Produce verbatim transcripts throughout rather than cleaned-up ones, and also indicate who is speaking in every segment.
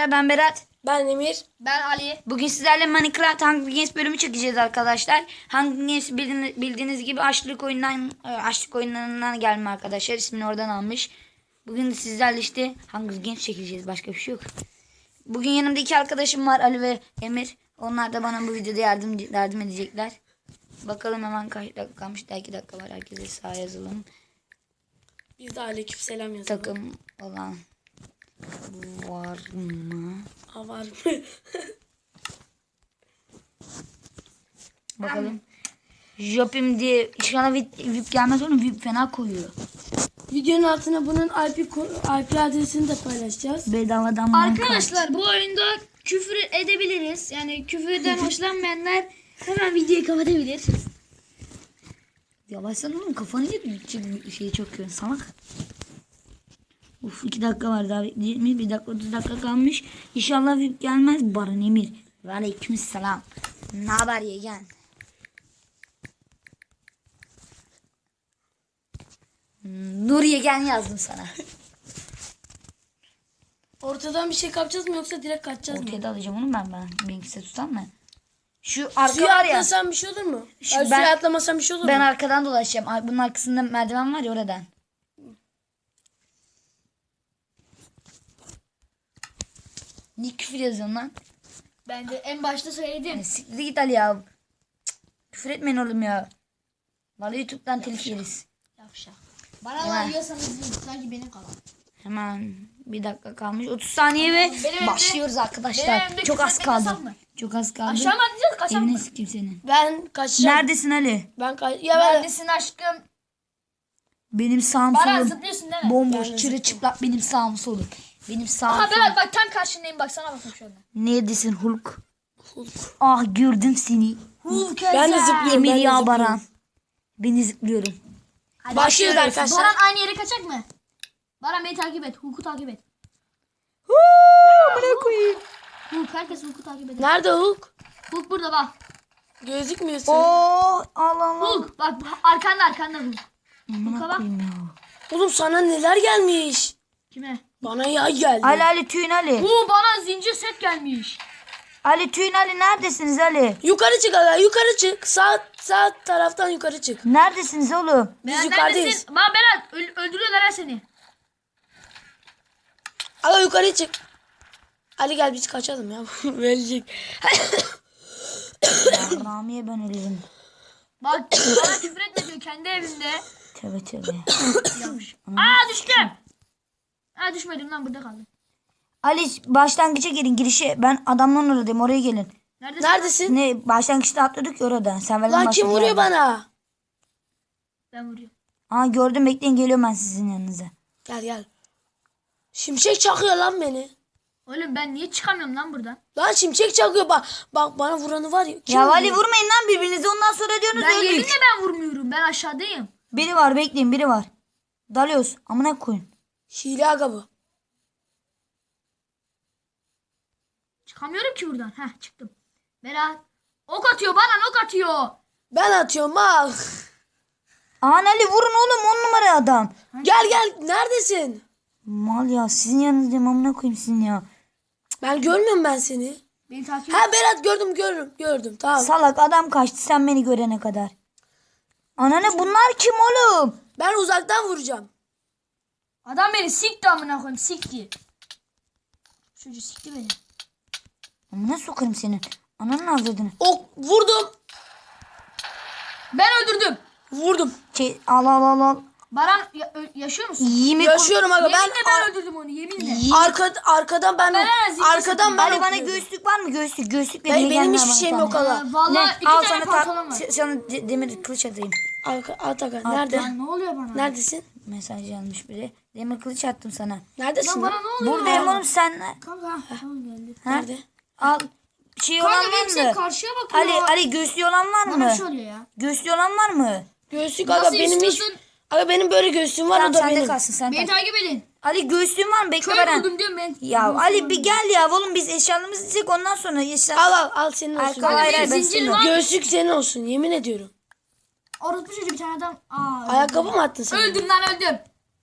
Speaker 1: arkadaşlar, ben Berat.
Speaker 2: Ben Emir.
Speaker 3: Ben Ali.
Speaker 1: Bugün sizlerle Minecraft Hunger Games bölümü çekeceğiz arkadaşlar. Hunger Games bildiğiniz, bildiğiniz gibi açlık oyundan açlık oyunlarından gelme arkadaşlar. İsmini oradan almış. Bugün de sizlerle işte Hunger Games çekeceğiz. Başka bir şey yok. Bugün yanımda iki arkadaşım var, Ali ve Emir. Onlar da bana bu videoda yardım yardım edecekler. Bakalım hemen kaç dakika kalmış. Daha iki dakika var. Herkese sağ yazalım.
Speaker 2: Biz de aleykümselam yazalım.
Speaker 1: Takım olan var mı?
Speaker 2: Aa, var mı?
Speaker 1: Bakalım. Jopim diye inşallah VIP, VIP gelmez, oğlum VIP fena koyuyor.
Speaker 2: Videonun altına bunun I P, I P adresini de paylaşacağız.
Speaker 1: Bedavadan Minecraft.
Speaker 3: Arkadaşlar bu oyunda küfür edebiliriz. Yani küfürden hoşlanmayanlar hemen videoyu kapatabilir.
Speaker 1: Yavaşsana oğlum, kafanı yedi. Şeyi çok kötü salak. Uf, iki dakika var daha bekleyeceğimiz. Bir dakika otuz dakika kalmış. İnşallah VIP gelmez. Baran Emir. Ve aleykümselam. Ne haber yeğen? Nur yeğen yazdım sana.
Speaker 2: Ortadan bir şey kapacağız mı yoksa direkt kaçacağız mı?
Speaker 1: Ortaya da alacağım onu ben ben. Benimkisi tutan mı? Şu arka
Speaker 2: Suya
Speaker 1: var ya.
Speaker 2: atlasam bir şey olur mu?
Speaker 1: Şu
Speaker 2: Ay,
Speaker 1: ben-
Speaker 2: suya atlamasam bir şey olur
Speaker 1: Ben
Speaker 2: mu?
Speaker 1: arkadan dolaşacağım. Ar- Bunun arkasında merdiven var ya, oradan. Niye küfür yazıyorsun lan?
Speaker 3: Ben de en başta söyledim.
Speaker 1: Yani siktir git Ali ya. Cık, küfür etmeyin oğlum ya. Vallahi YouTube'dan telif yeriz.
Speaker 3: Yavşak. Bana
Speaker 1: Hemen.
Speaker 3: var yiyorsanız yiyin. Sanki benim kalan.
Speaker 1: Hemen bir dakika kalmış. otuz saniye ve
Speaker 3: Benim evde-
Speaker 1: başlıyoruz
Speaker 3: benim
Speaker 1: arkadaşlar.
Speaker 3: evde
Speaker 1: Çok
Speaker 3: küfür
Speaker 1: az
Speaker 3: etmek yasak
Speaker 1: kaldı.
Speaker 3: mı?
Speaker 1: Çok az kaldı.
Speaker 3: Aşağı mı atlayacağız, kaçalım
Speaker 1: Evine
Speaker 3: mı?
Speaker 1: sikeyim seni.
Speaker 2: Ben kaçacağım.
Speaker 1: Neredesin Ali?
Speaker 2: Ben kaç... Ya ben...
Speaker 3: Neredesin aşkım?
Speaker 1: Benim sağım
Speaker 3: Baran
Speaker 1: solum.
Speaker 3: zıplıyorsun değil mi?
Speaker 1: Bomboş,
Speaker 2: Ben de
Speaker 1: çırılçıplak benim sağım solum. Benim sağım
Speaker 3: Ha
Speaker 1: solum.
Speaker 3: Berat bak tam karşındayım, bak sana bakın şu anda.
Speaker 1: Neredesin Hulk?
Speaker 2: Hulk.
Speaker 1: Ah, gördüm seni.
Speaker 3: Hulk
Speaker 2: Ben de zıplıyorum.
Speaker 1: Emir
Speaker 2: ben de
Speaker 1: ya
Speaker 2: zıplıyorum.
Speaker 1: Baran. Beni zıplıyorum.
Speaker 3: Hadi
Speaker 2: Başlıyoruz
Speaker 3: başlıyoruz.
Speaker 2: arkadaşlar.
Speaker 3: Baran aynı yere kaçacak mı? Baran beni takip et. Hulk'u takip et.
Speaker 1: Bırak koyayım.
Speaker 3: Hulk, herkes Hulk'u takip eder.
Speaker 2: Nerede Hulk?
Speaker 3: Hulk burada bak.
Speaker 2: Gözükmüyorsun.
Speaker 1: Oh, Allah Allah.
Speaker 3: Hulk bak arkanda arkanda Hulk.
Speaker 1: Amına
Speaker 3: Hulk'a bak.
Speaker 1: koyayım ya.
Speaker 2: Oğlum sana neler gelmiş?
Speaker 3: Kime?
Speaker 2: Bana yay geldi.
Speaker 1: Ali Ali Tüyün Ali.
Speaker 3: Bu bana zincir set gelmiş.
Speaker 1: Ali Tüyün Ali, neredesiniz Ali?
Speaker 2: Yukarı çık aga, yukarı çık. Sağ sağ taraftan yukarı çık.
Speaker 1: Neredesiniz oğlum?
Speaker 2: Biz
Speaker 3: Berat
Speaker 2: yukarıdayız.
Speaker 3: neredesin? Bak Berat öl- öldürüyorlar ha seni.
Speaker 2: Aga yukarı çık. Ali gel biz kaçalım ya. Verecek.
Speaker 1: Ya, Rami'ye ben ölürüm.
Speaker 3: Bak bana küfür etme diyor kendi evinde.
Speaker 1: Tövbe tövbe.
Speaker 3: Aa düştüm. Aa düşmedim lan, burada kaldım.
Speaker 1: Ali başlangıça gelin, girişe. Ben adamların oradayım, oraya gelin.
Speaker 3: Neredesin?
Speaker 2: Neredesin?
Speaker 1: Ne, başlangıçta atladık ya orada. Sen ver
Speaker 2: Lan kim vuruyor bana?
Speaker 3: Ben vuruyorum.
Speaker 1: Aa, gördüm, bekleyin, geliyorum ben sizin yanınıza.
Speaker 2: Gel gel. Şimşek çakıyor lan beni.
Speaker 3: Oğlum ben niye çıkamıyorum lan buradan?
Speaker 2: Lan şimşek çakıyor bak. Bak bana vuranı var ya. Kim
Speaker 1: Ya
Speaker 2: vuruyor?
Speaker 1: Ali, vurmayın lan birbirinize, ondan sonra diyorsunuz
Speaker 3: Ben yeminle
Speaker 1: öldük.
Speaker 3: ben vurmuyorum. Ben aşağıdayım.
Speaker 1: Biri var, bekleyin, biri var. Dalıyoruz. Amına koyun.
Speaker 2: Hile aga bu.
Speaker 3: Çıkamıyorum ki buradan. Heh çıktım. Berat. Ok atıyor bana, ok atıyor.
Speaker 2: Ben atıyorum al.
Speaker 1: Aman Ali, vurun oğlum, on numara adam.
Speaker 2: Gel gel neredesin?
Speaker 1: Mal ya, sizin yanınızdayım, amına koyayım sizin ya.
Speaker 2: Ben görmüyorum ben seni.
Speaker 3: Beni takip et.
Speaker 2: Ha Berat gördüm gördüm gördüm tamam.
Speaker 1: Salak adam kaçtı sen beni görene kadar. Anane, bunlar kim oğlum?
Speaker 2: Ben uzaktan vuracağım.
Speaker 3: Adam beni sikti amına koyayım, sikti. Çocuğu sikti beni.
Speaker 1: Amına sokarım seni. Ananın avradını.
Speaker 2: Ok vurdum.
Speaker 3: Ben öldürdüm.
Speaker 2: Vurdum.
Speaker 1: Şey, al al al al.
Speaker 3: Baran ya- ö- yaşıyor musun?
Speaker 1: Yemin
Speaker 2: Yaşıyorum aga ben,
Speaker 3: Yeminle ben öldürdüm onu, yeminle.
Speaker 2: arka, arkadan ben
Speaker 3: Ben zincir
Speaker 2: arkadan ben
Speaker 1: Ali, bana
Speaker 2: okuyordum.
Speaker 1: göğüslük var mı? Göğüslük, göğüslük
Speaker 2: Hayır,
Speaker 1: vermeye
Speaker 2: benim
Speaker 1: gelme
Speaker 2: hiçbir
Speaker 1: bana
Speaker 2: şeyim
Speaker 1: sana.
Speaker 2: yok aga.
Speaker 3: Ee, Vallahi
Speaker 1: Ne?
Speaker 3: iki
Speaker 1: Al
Speaker 3: tane
Speaker 1: sana,
Speaker 3: pantolon
Speaker 1: ta-
Speaker 3: var.
Speaker 1: sana de- demir kılıç atayım.
Speaker 2: Arka, at aga nerede?
Speaker 3: Lan ne oluyor bana?
Speaker 2: Neredesin?
Speaker 1: Mesaj gelmiş biri. Demir kılıç attım sana.
Speaker 2: Neredesin?
Speaker 3: Lan bana
Speaker 2: lan?
Speaker 3: ne oluyor?
Speaker 1: Buradayım oğlum, sen.
Speaker 3: Kanka. Tamam geldi.
Speaker 1: Ha?
Speaker 2: Nerede?
Speaker 1: Al. Şey olan
Speaker 3: Kanka benim
Speaker 1: var
Speaker 3: sen
Speaker 1: mı?
Speaker 3: karşıya bakıyor.
Speaker 1: Ali, Ali göğüslü olan var
Speaker 3: Bana bir
Speaker 1: mı?
Speaker 3: şey oluyor ya.
Speaker 1: Göğüslü olan var mı?
Speaker 2: Göğsük
Speaker 3: Nasıl
Speaker 2: aga benim hiç.
Speaker 3: istiyorsun?
Speaker 2: Aga benim böyle göğsüm var
Speaker 1: Tamam,
Speaker 2: o da
Speaker 1: sende
Speaker 2: benim.
Speaker 1: kalsın, sen
Speaker 3: Beni
Speaker 1: kal.
Speaker 3: takip edin.
Speaker 1: Ali göğüslüğün var mı? Bekle
Speaker 3: Köy
Speaker 1: Baran.
Speaker 3: buldum diyorum ben.
Speaker 1: Ya Ali bir gel ya oğlum, biz eşyalarımızı dizecek, ondan sonra eşya.
Speaker 2: Al al al senin olsun.
Speaker 1: Arka hayır,
Speaker 3: benim
Speaker 1: hayır, ben
Speaker 3: zincirim
Speaker 1: istemiyorum.
Speaker 3: var.
Speaker 2: Göğsük senin olsun yemin ediyorum.
Speaker 3: Orospu çocuğu bir tane adam. Aa,
Speaker 2: Ayakkabı mı attın sen?
Speaker 3: öldüm lan öldüm.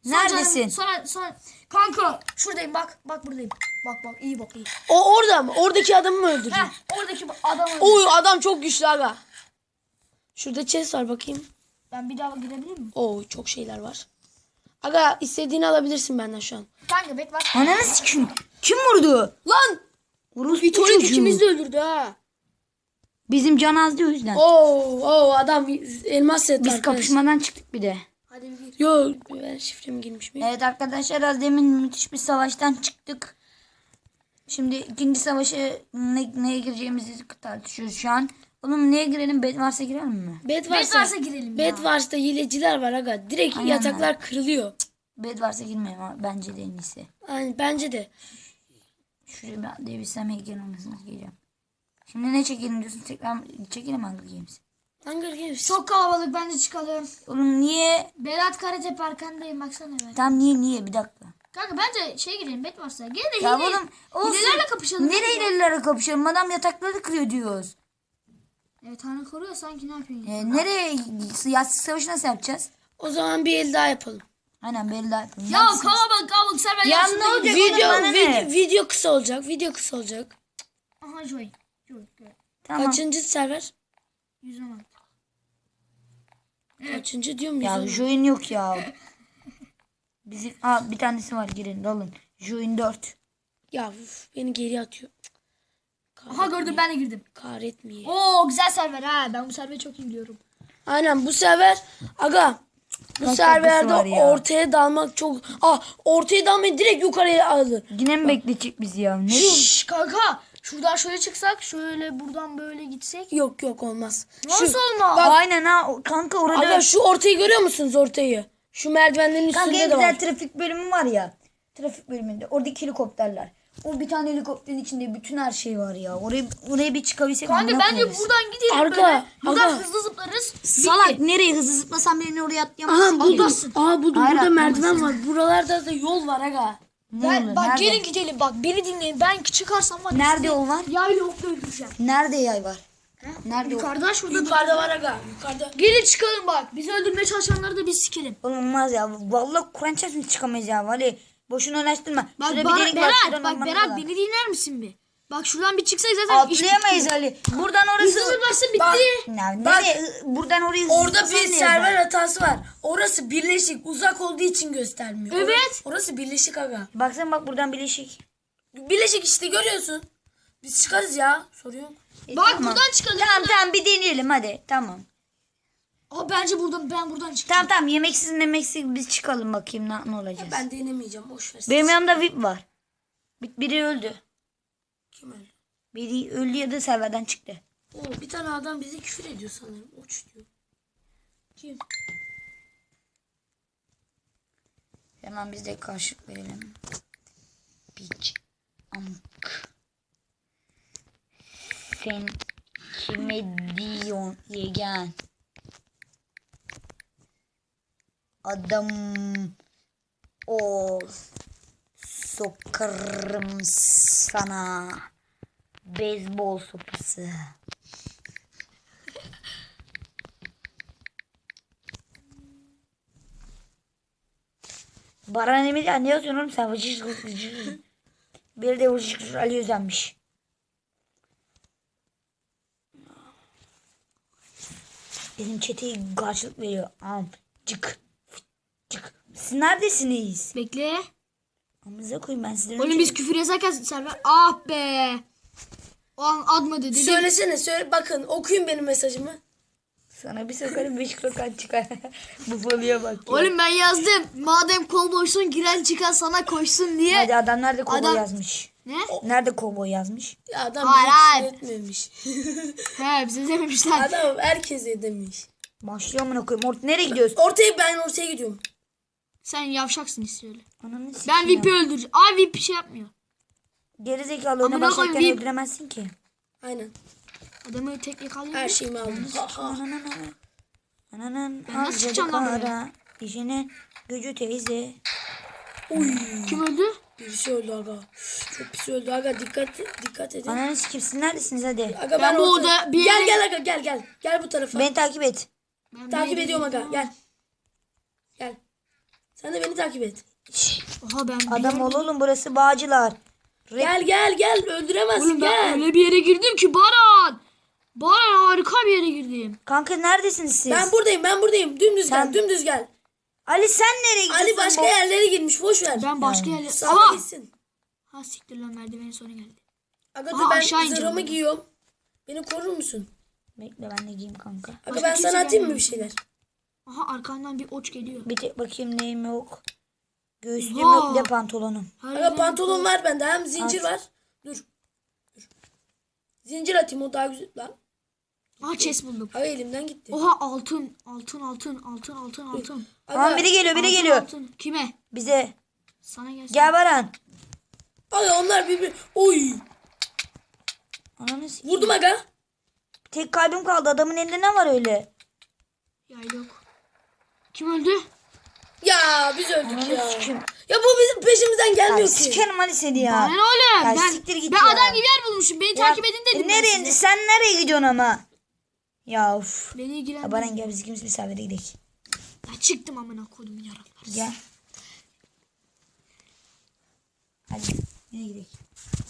Speaker 1: Neredesin?
Speaker 3: canım, Sonra sonra kanka şuradayım bak. Bak buradayım. Bak bak iyi bak iyi.
Speaker 2: O orada mı? Oradaki adamı mı öldürdün?
Speaker 3: Heh, oradaki adamı.
Speaker 2: Oy adam çok güçlü aga. Şurada chest var bakayım.
Speaker 3: Ben bir daha girebilir miyim?
Speaker 2: Oo çok şeyler var. Aga istediğini alabilirsin benden şu an.
Speaker 3: Kanka bet var.
Speaker 1: Ananı sikim. Kim vurdu?
Speaker 2: Lan!
Speaker 1: Vuruldu
Speaker 3: Vito'yu ikimiz de öldürdü ha.
Speaker 1: Bizim can azdı o yüzden.
Speaker 2: Oo, oo adam elmas set
Speaker 1: Biz
Speaker 2: arkadaş.
Speaker 1: kapışmadan çıktık bir de.
Speaker 3: Hadi bir gir.
Speaker 2: Yo ben şifremi girmiş miyim?
Speaker 1: Evet arkadaşlar az demin müthiş bir savaştan çıktık. Şimdi ikinci savaşa ne, neye gireceğimizi tartışıyoruz şu an. Oğlum neye girelim? Bedwars'a girelim mi?
Speaker 2: Bed
Speaker 3: Bet
Speaker 2: varsa,
Speaker 3: varsa girelim ya.
Speaker 2: Bed varsa hileciler var aga. Direkt
Speaker 1: Aynen
Speaker 2: yataklar kırılıyor.
Speaker 1: Bedwars'a girmeyelim ama bence de en iyisi.
Speaker 2: Yani bence de.
Speaker 1: Şuraya bir devirsem heykel olmasını geleceğim. Şimdi ne çekelim diyorsun? Tekrar çekelim Hunger Games.
Speaker 2: Hunger Games.
Speaker 3: Çok kalabalık bence çıkalım.
Speaker 1: Oğlum niye?
Speaker 3: Berat Karatepe arkandayım baksana ben.
Speaker 1: Tam niye niye bir dakika.
Speaker 3: Kanka bence şey girelim bet varsa. Gene de
Speaker 1: Ya
Speaker 3: hile.
Speaker 1: oğlum olsun.
Speaker 3: Hilelerle kapışalım.
Speaker 1: Nereye hilelerle kapışalım? Adam yatakları kırıyor diyoruz.
Speaker 3: Evet Tanrı koruyor sanki ne yapıyorsun?
Speaker 1: Ee, nereye? Yastık savaşı nasıl yapacağız?
Speaker 2: O zaman bir el daha yapalım.
Speaker 1: Aynen belli daha yapalım.
Speaker 3: Ya kalabalık kalabalık sen ben
Speaker 1: Ya
Speaker 3: yaşında
Speaker 1: ne olacak?
Speaker 3: gidiyorum.
Speaker 1: Video-
Speaker 2: Video,
Speaker 1: bana ne?
Speaker 2: video, video kısa olacak. Video kısa olacak.
Speaker 3: Aha Joy. Joy. Joy.
Speaker 1: Tamam.
Speaker 2: Kaçıncı server?
Speaker 3: yüz on altı.
Speaker 2: Kaçıncı diyorum
Speaker 1: Ya
Speaker 2: yüz on.
Speaker 1: join yok ya. Bizim aa, bir tanesi var girin alın. Join dört.
Speaker 2: Ya uf, beni geri atıyor.
Speaker 3: Aha gördüm ben de girdim.
Speaker 2: Kahretmeye.
Speaker 3: Oo güzel server ha. Ben bu serveri çok iyi biliyorum.
Speaker 2: Aynen bu server aga bu
Speaker 1: Kaç
Speaker 2: serverde
Speaker 1: dakikası var ya?
Speaker 2: ortaya dalmak çok ah ortaya dalmayı direkt yukarıya aldı.
Speaker 1: Yine mi bekleyecek bizi ya? Nereye?
Speaker 3: Şşş kanka. Şuradan şöyle çıksak şöyle buradan böyle gitsek.
Speaker 2: Yok yok olmaz.
Speaker 3: Nasıl
Speaker 2: Şu,
Speaker 3: olmaz?
Speaker 2: Bak,
Speaker 1: Aynen ha o- kanka orada.
Speaker 2: aga şu ortayı görüyor musunuz ortayı? Şu merdivenlerin
Speaker 1: Kanka
Speaker 2: üstünde
Speaker 1: en
Speaker 2: de
Speaker 1: güzel
Speaker 2: var.
Speaker 1: trafik bölümü var ya. Trafik bölümünde. Oradaki helikopterler. O bir tane helikopterin içinde bütün her şey var ya. Oraya oraya bir çıkabilsek.
Speaker 3: Kanka
Speaker 1: amına
Speaker 3: bence
Speaker 1: koyarız.
Speaker 3: buradan gidelim
Speaker 2: Arka,
Speaker 3: böyle. Buradan
Speaker 2: aga.
Speaker 3: hızlı zıplarız.
Speaker 1: Salak nereye hızlı zıplasam beni oraya
Speaker 2: Aha
Speaker 1: atlayamazsın.
Speaker 2: buldum.
Speaker 1: ki.
Speaker 2: Aa buldum.
Speaker 1: Hayır,
Speaker 2: Burada merdiven
Speaker 1: atlamasın.
Speaker 2: var. Buralarda da yol var aga.
Speaker 1: Ne
Speaker 3: Ben,
Speaker 1: olur,
Speaker 3: bak
Speaker 1: nerede?
Speaker 3: gelin gidelim bak beni dinleyin. Ben çıkarsam var. ya
Speaker 1: Nerede
Speaker 3: sizi
Speaker 1: o var?
Speaker 3: Yayla okla öldüreceğim.
Speaker 1: Nerede yay var? Nerede o?
Speaker 3: Yukarıda şurada.
Speaker 2: Yukarıda var aga. Yukarıda.
Speaker 3: Gelin çıkalım bak. Bizi öldürmeye çalışanları da biz sikelim.
Speaker 1: Oğlum olmaz ya. Vallahi Kur'an çarpsın çıkamayız ya. Vali boşuna uğraştırma.
Speaker 3: Bak
Speaker 1: Şurada
Speaker 3: bana,
Speaker 1: bir delik var.
Speaker 3: Berat
Speaker 1: şuradan
Speaker 3: bak
Speaker 1: olmanız
Speaker 3: Berat
Speaker 1: lazım.
Speaker 3: beni dinler misin bir? Bak şuradan bir çıksak zaten iş
Speaker 1: Atlayamayız
Speaker 3: bitti.
Speaker 1: Ali. Buradan orası.
Speaker 3: Hızlı zıplarsa bitti.
Speaker 2: Bak,
Speaker 1: Ya,
Speaker 2: Bak.
Speaker 1: nereye? Buradan oraya
Speaker 2: Orada
Speaker 1: zıplasan
Speaker 2: bir
Speaker 1: ne
Speaker 2: server
Speaker 1: yazar?
Speaker 2: hatası var. Orası birleşik. Uzak olduğu için göstermiyor.
Speaker 3: Evet.
Speaker 2: Orası birleşik aga.
Speaker 1: Baksana bak buradan bileşik.
Speaker 2: Birleşik işte görüyorsun. Biz çıkarız ya. Soruyorum.
Speaker 1: E,
Speaker 3: Bak
Speaker 1: tamam.
Speaker 3: buradan çıkalım.
Speaker 1: Tamam tamam bir deneyelim hadi. Tamam.
Speaker 3: Aa, bence buradan ben buradan çıkacağım.
Speaker 1: Tamam tamam yemeksiz memeksiz biz çıkalım bakayım ne, ne olacağız.
Speaker 2: Ben denemeyeceğim. Boş ver.
Speaker 1: Benim yanımda V I P var. Bir- Biri öldü.
Speaker 2: Kim öyle?
Speaker 1: Biri öldü ya da serverden çıktı.
Speaker 2: Oo, bir tane adam bize küfür ediyor sanırım. Uç diyor.
Speaker 3: Kim?
Speaker 1: Hemen biz de karşılık verelim. Piç. Amk. Sen kime diyorsun yeğen? Adam ol. Sokarım sana. Beyzbol sopası. Baran Emir ya ne yazıyorsun oğlum sen? Vıcır vıcır. Bir de vıcır Ali Özenmiş. Benim çeteyi karşılık veriyor. Am cık cık. Siz neredesiniz?
Speaker 3: Bekle.
Speaker 1: Amınıza koyayım ben sizden
Speaker 3: Oğlum
Speaker 1: önce-
Speaker 3: biz küfür yazarken server. Ah be. O an admadı dedim.
Speaker 2: Söylesene söyle. Bakın okuyun benim mesajımı.
Speaker 1: Sana bir sokarım beş krokan çıkar. Bu falıya bak ya.
Speaker 3: Oğlum ben yazdım. Madem kol boşsun giren çıkan sana koşsun diye.
Speaker 1: Hadi adam nerede kovboy
Speaker 3: Adam-
Speaker 1: yazmış?
Speaker 3: Ne?
Speaker 1: Nerede kovboy yazmış?
Speaker 2: Ya adam
Speaker 3: Hayır,
Speaker 2: bize
Speaker 3: hayır.
Speaker 2: küfür etmemiş.
Speaker 3: He bize dememişler.
Speaker 2: Adam herkese demiş.
Speaker 1: Başlıyor amına koyayım. Or nereye gidiyoruz?
Speaker 2: Ortaya ben ortaya gidiyorum.
Speaker 3: Sen yavşaksın istiyorlar.
Speaker 1: Ananı sikeyim
Speaker 3: Ben
Speaker 1: ya.
Speaker 3: V I P'i öldüreceğim. Aa V I P bir şey yapmıyor.
Speaker 1: Gerizekalı oyuna
Speaker 3: Amına
Speaker 1: başlarken
Speaker 3: koyayım,
Speaker 1: öldüremezsin ki.
Speaker 2: Aynen.
Speaker 3: Adamı tek yakalıyor.
Speaker 2: Her şeyimi aldım. Ha, ha.
Speaker 1: Ananın Ananın
Speaker 3: Ben nasıl
Speaker 1: harcadı
Speaker 3: çıkacağım lan buraya?
Speaker 1: kara. İşine gücü teyze.
Speaker 3: Kim öldü?
Speaker 2: Birisi öldü aga. Çok pis öldü aga. Dikkat dikkat edin.
Speaker 1: Ananı sikeyim siz neredesiniz hadi.
Speaker 2: Aga
Speaker 3: Ben
Speaker 2: ben,
Speaker 3: bu
Speaker 2: ortaya-
Speaker 3: oda bir
Speaker 2: Gel
Speaker 3: yere-
Speaker 2: gel aga gel gel. Gel bu tarafa.
Speaker 1: Beni takip et.
Speaker 3: Ben
Speaker 2: Takip
Speaker 3: bir-
Speaker 2: ediyorum aga. Gel. Gel. Sen de beni takip et.
Speaker 3: Oha ben bir
Speaker 1: Adam
Speaker 3: yer-
Speaker 1: ol oğlum, burası Bağcılar. Rap-
Speaker 2: Gel gel gel öldüremezsin
Speaker 3: Oğlum ben
Speaker 2: gel.
Speaker 3: öyle bir yere girdim ki Baran. Baran harika bir yere girdim.
Speaker 1: Kanka neredesiniz siz?
Speaker 2: Ben buradayım ben buradayım. Dümdüz
Speaker 1: Sen-
Speaker 2: gel dümdüz gel.
Speaker 1: Ali sen nereye gidiyorsun?
Speaker 2: Ali başka
Speaker 1: bu-
Speaker 2: yerlere girmiş boş ver.
Speaker 3: Ben başka yerlere...
Speaker 2: Salla
Speaker 3: Ama...
Speaker 2: gitsin.
Speaker 3: Ha siktir lan merdivenin sonu geldi.
Speaker 2: Aga
Speaker 3: Aha,
Speaker 2: dur ben
Speaker 3: aşağı ineceğim
Speaker 2: zırhımı
Speaker 3: ben.
Speaker 2: giyiyorum. Beni korur musun?
Speaker 1: Bekle ben de giyeyim kanka.
Speaker 2: Aga
Speaker 3: Başka
Speaker 2: ben
Speaker 3: kimse
Speaker 2: sana atayım mı
Speaker 3: gelmiyor.
Speaker 2: bir şeyler?
Speaker 3: Aha arkandan bir oç geliyor.
Speaker 1: Bir tek bakayım neyim yok. Göğüslüğüm
Speaker 3: Oha.
Speaker 1: yok, bir de pantolonum.
Speaker 2: Aga
Speaker 3: Harbiden-
Speaker 2: pantolon var bende hem zincir
Speaker 1: At.
Speaker 2: var. Dur. Dur. Zincir atayım o daha güzel lan.
Speaker 3: Aha chest buldum.
Speaker 2: Aga elimden gitti.
Speaker 3: Oha altın. Altın altın altın altın altın.
Speaker 1: Tamam, biri geliyor biri
Speaker 3: Altın,
Speaker 1: geliyor.
Speaker 3: altın. Kime?
Speaker 1: Bize.
Speaker 3: Sana gelsin.
Speaker 1: Gel Baran.
Speaker 2: Aga onlar birbiri. Oy.
Speaker 1: Ananı sikeyim.
Speaker 2: Vurdum aga.
Speaker 1: Tek kalbim kaldı, adamın elinde ne var öyle?
Speaker 3: Ya yok. Kim öldü?
Speaker 2: Ya biz öldük
Speaker 1: Ananı
Speaker 2: ya.
Speaker 1: sikeyim.
Speaker 2: Ya bu bizim peşimizden
Speaker 1: Ya
Speaker 2: gelmiyor ki.
Speaker 1: sikerim Ali seni ya.
Speaker 3: Bana ne oğlum?
Speaker 1: Ya
Speaker 3: Ben,
Speaker 1: siktir git
Speaker 3: ben
Speaker 1: ya.
Speaker 3: adam gibi yer bulmuşum. Beni
Speaker 1: Ya,
Speaker 3: takip edin dedim.
Speaker 1: e
Speaker 3: ben
Speaker 1: nereye,
Speaker 3: size.
Speaker 1: sen nereye gidiyorsun ama? Ya of.
Speaker 3: Beni
Speaker 1: Ya
Speaker 3: ilgilendirmiyor.
Speaker 1: Baran gel biz ikimiz misafire gidelim.
Speaker 3: Ya çıktım amına koydum yaraklar.
Speaker 1: Gel. Hadi yine gidelim.